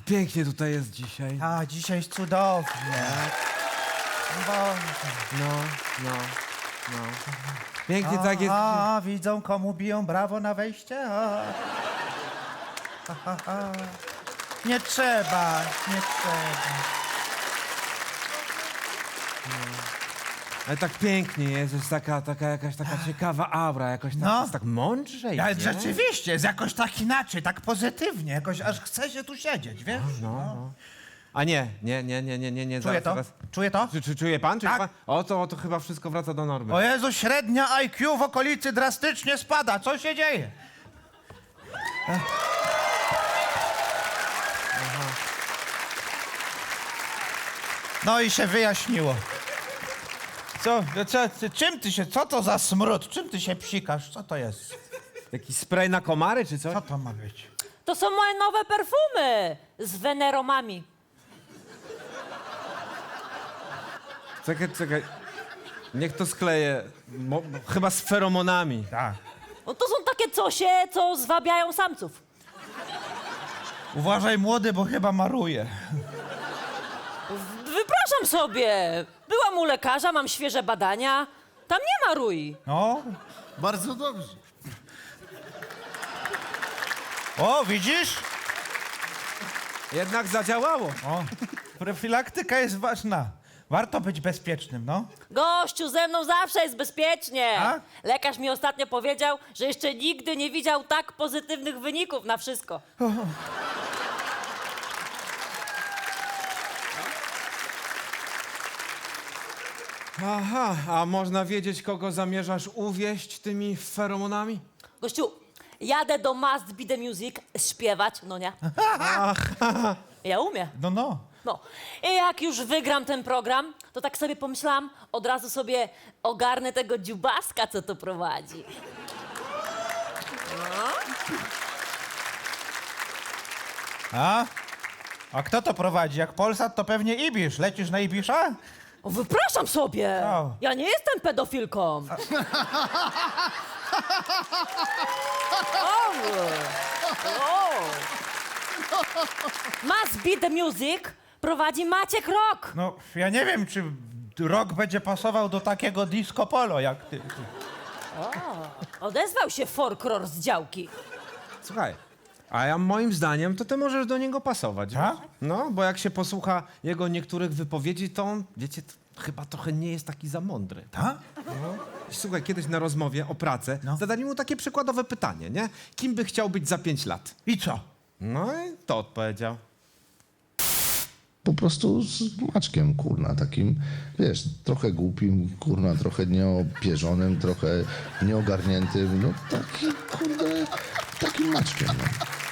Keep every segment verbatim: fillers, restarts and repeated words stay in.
pięknie tutaj jest dzisiaj. A, dzisiaj jest cudownie. Boże. No, no, no. Pięknie tak jest. A, widzą, komu biją brawo na wejście? A. Ha, ha, ha. Nie trzeba, nie trzeba. Ale tak pięknie jest, jest taka, taka jakaś taka ciekawa aura, jakoś tak, No. jest tak mądrzej, Ale nie? rzeczywiście, jest jakoś tak inaczej, tak pozytywnie, jakoś aż chce się tu siedzieć, wiesz? No, no. A nie, nie, nie, nie, nie, nie, nie. Czuję zaraz, to? zaraz. Czuje to? Czy, czy czuje pan? Czuje Tak. pan? O, to, o, to chyba wszystko wraca do normy. O Jezu, średnia I Q w okolicy drastycznie spada. Co się dzieje? No i się wyjaśniło. Co, co, ty- czym ty się, co to za smród? Czym ty się psikasz? Co to jest? Jakiś spray na komary, czy coś? Co to ma być? To są moje nowe perfumy z weneromami. Czekaj, czekaj. Niech to skleję. Mo, chyba z feromonami. Tak. No to są takie cosie, co zwabiają samców. Uważaj, młody, bo chyba maruje. Wypraszam sobie. Byłam u lekarza, mam świeże badania. Tam nie ma rui. No. Bardzo dobrze. O, widzisz? Jednak zadziałało. O, profilaktyka jest ważna. Warto być bezpiecznym, no. Gościu, ze mną zawsze jest bezpiecznie. A? Lekarz mi ostatnio powiedział, że jeszcze nigdy nie widział tak pozytywnych wyników na wszystko. Aha, a można wiedzieć, kogo zamierzasz uwieść tymi feromonami? Gościu, jadę do Must Be The Music śpiewać, no nie? Ja umiem. No, no. No. I jak już wygram ten program, to tak sobie pomyślałam, od razu sobie ogarnę tego dziubaska, co to prowadzi. A? A kto to prowadzi? Jak Polsat, to pewnie Ibisz. Lecisz na Ibisza? O, wypraszam sobie! O. Ja nie jestem pedofilką. O. O. Must Be The Music prowadzi Maciek Rok. No, ja nie wiem, czy rok będzie pasował do takiego disco polo, jak ty. Odezwał się folklor z działki. Słuchaj, a ja moim zdaniem to ty możesz do niego pasować. Tak? wiesz? No, bo jak się posłucha jego niektórych wypowiedzi, to on, wiecie, to chyba trochę nie jest taki za mądry. Tak? Słuchaj, kiedyś na rozmowie o pracę No. zadali mu takie przykładowe pytanie, nie? Kim by chciał być za pięć lat? I co? No i to odpowiedział. Po prostu z Maćkiem, kurna, takim, wiesz, trochę głupim, kurna, trochę nieopierzonym, trochę nieogarniętym, no taki, kurde, takim Maćkiem, no.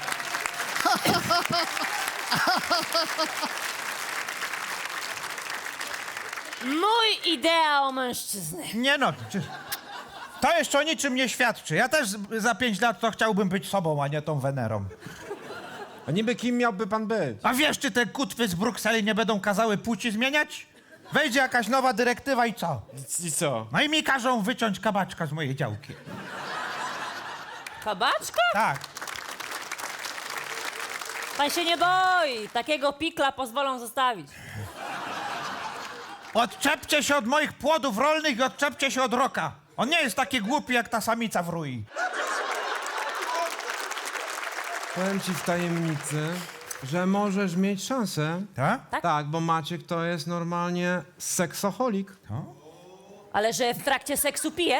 Mój ideał mężczyzny. Nie no, czy... to jeszcze o niczym nie świadczy. Ja też za pięć lat to chciałbym być sobą, a nie tą Wenerą. A niby kim miałby pan być? A wiesz, czy te kutwy z Brukseli nie będą kazały płci zmieniać? Wejdzie jakaś nowa dyrektywa i co? I co? No i mi każą wyciąć kabaczka z mojej działki. Kabaczka? Tak. Pan się nie boi. Takiego pikla pozwolą zostawić. Odczepcie się od moich płodów rolnych i odczepcie się od Roka. On nie jest taki głupi jak ta samica w rui. Powiem ci w tajemnicy, że możesz mieć szansę. Tak? Tak? Tak, bo Maciek to jest normalnie seksoholik. Ale że w trakcie seksu pije?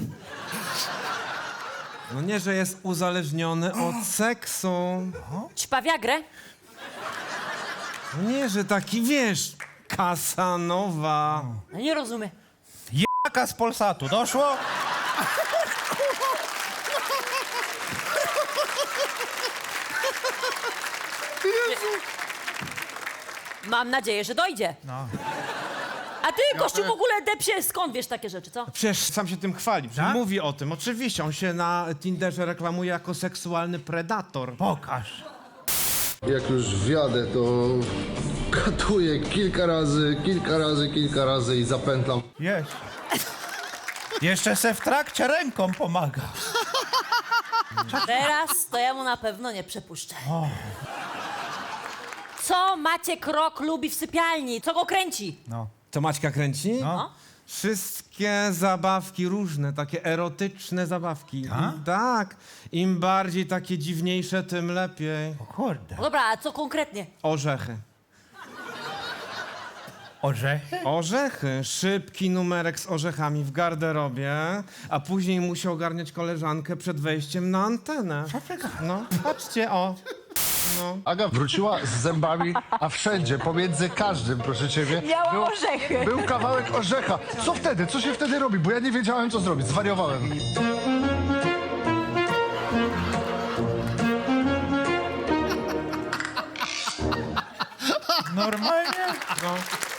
No nie, że jest uzależniony od seksu. Ćpa wiagrę? No nie, że taki, wiesz, Kasanowa. No nie rozumiem. Jaka z Polsatu, doszło? Mam nadzieję, że dojdzie. No. A ty, gościu, w ogóle depsie, skąd wiesz takie rzeczy, co? Przecież sam się tym chwali, przecież Tak? mówi o tym. Oczywiście, on się na Tinderze reklamuje jako seksualny predator. Pokaż. Jak już wjadę, to katuję kilka razy, kilka razy, kilka razy i zapętlam. Jest. Jeszcze se w trakcie ręką pomaga. Teraz to ja mu na pewno nie przepuszczę. Co Maciek Rok lubi w sypialni? Co go kręci? No. Co Maćka kręci? No. Wszystkie zabawki różne, takie erotyczne zabawki. Tak? I tak. Im bardziej takie dziwniejsze, tym lepiej. O kurde. No dobra, a co konkretnie? Orzechy. Orzechy? Orzechy. Szybki numerek z orzechami w garderobie, a później musi ogarniać koleżankę przed wejściem na antenę. Co ty gadasz? No, patrzcie, o. Aga wróciła z zębami, a wszędzie, pomiędzy każdym, proszę ciebie, Miała był, orzechy. był kawałek orzecha. Co wtedy? Co się wtedy robi? Bo ja nie wiedziałem, co zrobić. Zwariowałem. Normalnie? No.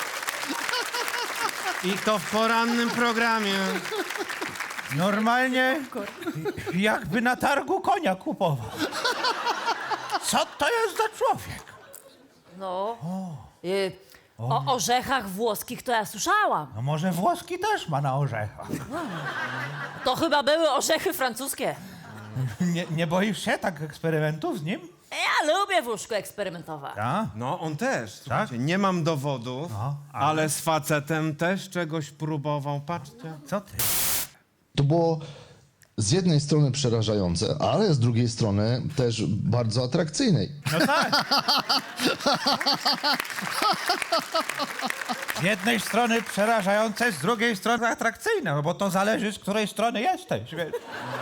I to w porannym programie. Normalnie jakby na targu konia kupował. Co to jest za człowiek? No. Y, o orzechach włoskich to ja słyszałam. No może włoski też ma na orzechach. To chyba były orzechy francuskie. Nie, nie boisz się tak eksperymentów z nim? Ja lubię w łóżku eksperymentować. A? No, on też. Słuchajcie, nie mam dowodów, No, ale- ale z facetem też czegoś próbował. Patrzcie. Co ty? To było z jednej strony przerażające, ale z drugiej strony też bardzo atrakcyjne. No tak. Z jednej strony przerażające, z drugiej strony atrakcyjne, no bo to zależy, z której strony jesteś. Wiesz.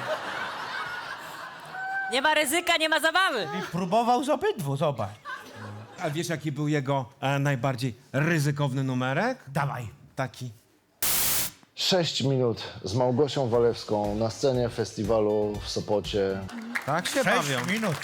Nie ma ryzyka, nie ma zabawy. I próbował z obydwu, zobacz. A wiesz, jaki był jego e, najbardziej ryzykowny numerek? Dawaj. Taki. Sześć minut z Małgosią Walewską na scenie festiwalu w Sopocie. Tak się bawią. Sześć minut.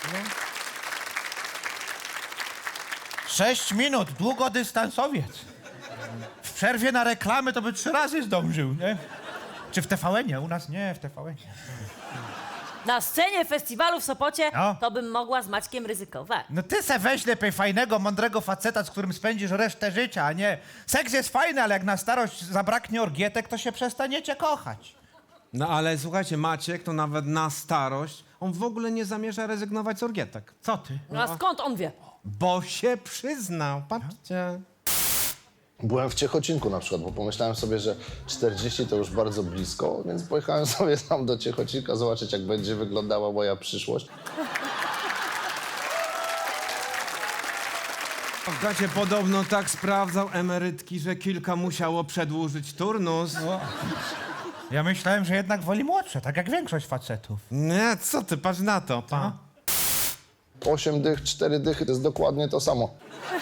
Sześć minut, długodystansowiec. W przerwie na reklamy to by trzy razy zdążył, nie? Czy w T V N-ie? U nas nie, w T V N-ie. Na scenie festiwalu w Sopocie No. to bym mogła z Maćkiem ryzykować. No ty se weź lepiej fajnego, mądrego faceta, z którym spędzisz resztę życia, a nie... Seks jest fajny, ale jak na starość zabraknie orgietek, to się przestaniecie kochać. No ale słuchajcie, Maciek to nawet na starość, on w ogóle nie zamierza rezygnować z orgietek. Co ty? No a skąd on wie? Bo się przyznał, patrzcie. Byłem w Ciechocinku na przykład, bo pomyślałem sobie, że czterdzieści to już bardzo blisko, więc pojechałem sobie tam do Ciechocinka zobaczyć, jak będzie wyglądała moja przyszłość. Słuchajcie, podobno tak sprawdzał emerytki, że kilka musiało przedłużyć turnus. Ja myślałem, że jednak woli młodsze, tak jak większość facetów. Nie, co ty, patrz na to, pa. Osiem dych, cztery dychy, to jest dokładnie to samo.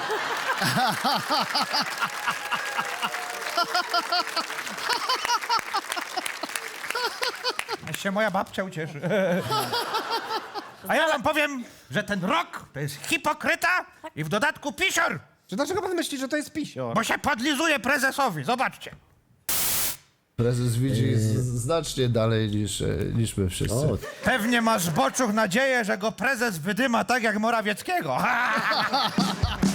Niech się moja babcia ucieszy. A ja wam powiem, że ten Rok to jest hipokryta i w dodatku pisior, Czy dlaczego pan myśli, że to jest pisior? bo się podlizuje prezesowi. Zobaczcie. Prezes widzi znacznie dalej niż, niż my wszyscy. Pewnie masz, Boczuch, nadzieję, że go prezes wydyma tak jak Morawieckiego.